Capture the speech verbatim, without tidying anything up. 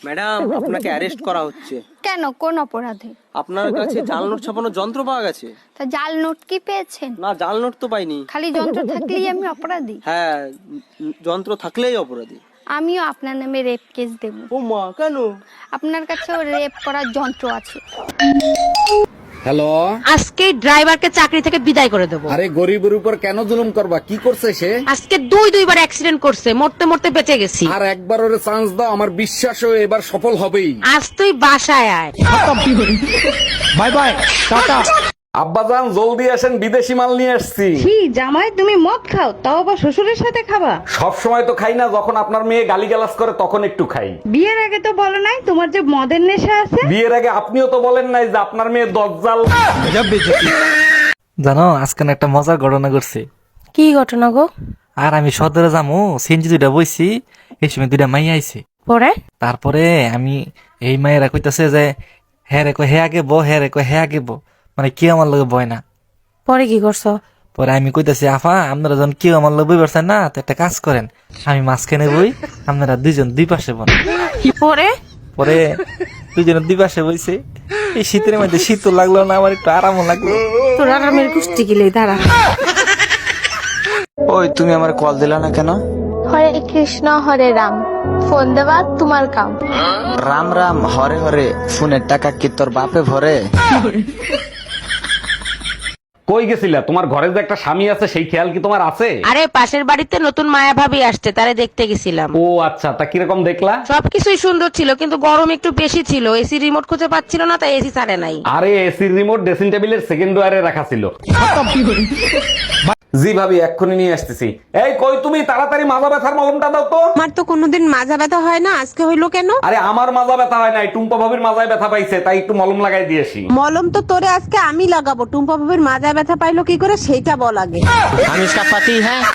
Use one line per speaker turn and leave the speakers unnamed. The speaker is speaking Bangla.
ম্যাডাম, আপনাকে অ্যারেস্ট করা হচ্ছে।
কেন, কোন অপরাধে?
আপনার কাছে জাল নোট ছাপানোর যন্ত্র পাওয়া গেছে।
তা জাল নোট কি পেয়েছেন?
না, জাল নোট তো পাইনি।
খালি যন্ত্র থাকলেই আমি অপরাধী?
হ্যাঁ, উম, যন্ত্র থাকলেই অপরাধী।
আমিও আপনার নামে রেপ কেস দেব।
ও মা, কেন?
আপনার কাছেও রেপ করার যন্ত্র আছে।
হ্যালো,
আজকে ড্রাইভারকে চাকরি থেকে বিদায় করে দেবো।
আরে গরিবের উপর কেন জুলুম করবা? কি করছে সে?
আজকে দুই দুইবার অ্যাক্সিডেন্ট করছে, মরতে মরতে বেঁচে গেছি।
আর একবার ওরে চান্স দাও, আমার বিশ্বাস ও এবার সফল হবেই।
আজ তুই বাসায় আয়।
Bye bye, tata. আব্বাজান জলদি আসেন, বিদেশি মাল নিয়ে আসছি।
কি জামাই, তুমি মদ খাও, তাও আবার শ্বশুরের সাথে খাবা?
সব সময় তো খাই না, যখন আপনার মেয়ে গালিগালাজ করে তখন একটু খাই।
বিয়ের আগে তো বলো নাই তোমার যে মদের নেশা আছে।
বিয়ের আগে আপনিও তো বলেন নাই যে আপনার মেয়ে দজ্জাল।
জানো, আজকে না একটা মজার ঘটনা ঘটছে।
কি ঘটনা গো?
আর আমি সদরে যামু, সিনজি দুইটা বইছি, এই সময় দুইটা মাই আইছে।
পরে
তারপরে আমি এই মায়েরা কইতাছে যে হ্যাঁ রে কয় হে আগে বো, হ্যাঁ রে কয় হে আগে বো, মানে কেউ আমার লগে বয় না।
পরে কি করছো?
পরে আমি কইতাছি আফা, আপনারা যখন কেউ আমার লগে বই পারছেন না, তো একটা কাজ করেন, আমি মাঝখানে বই, আপনারা দুইজন দুই পাশে বন।
পরে
পরে দুইজনের দুই পাশে বইছে। এই শীতের মধ্যে শীতও লাগলো না, আমার একটু আরামও লাগলো।
তোর আরামের কুষ্টি গিলে দাঁড়া।
ওই তুমি আমার কল দিলা না কেন?
হরে কৃষ্ণ হরে রাম, ফোন দেওয়া তোমার কাম।
রাম রাম হরে হরে, ফোনের টাকা কি তোর বাপে ভরে?
কই গেছিলা? তোমার ঘরে যে একটা স্বামী আছে সেই খেয়াল কি তোমার আছে?
আরে পাশের বাড়িতে নতুন মায়া ভাবি আসছে, তারে দেখতে গেছিলাম।
ও আচ্ছা, তা কিরকম দেখলা?
সবকিছুই সুন্দর ছিল, কিন্তু গরম একটু বেশি ছিল। এসি রিমোট খুঁজে পাচ্ছিল না, তাই এসি ছাড়ে নাই।
আরে এসির রিমোট ড্রেসিং টেবিলের সেকেন্ড ড্রয়ারে রাখা ছিল। জি ভাবি, এক্ষুনি নিয়ে আসতেছি। এই কই তুমি, তাড়াতাড়ি মাজা ব্যথার মলমটা দাও তো।
আমার তো কোনোদিন মাজা ব্যথা হয় না, আজকে হইলো কেন?
আরে আমার মাজা ব্যথা হয় নাই, টুম্পা ভাবির মাজায় ব্যথা পাইছে, তাই একটু মলম লাগাই দিয়েছি।
মলম তো তোরে আজকে আমি লাগাবো। টুম্পা ভাবির মাজা ব্যথা পাইলো কি করে সেইটা বল আগে।
हम इसका पति है।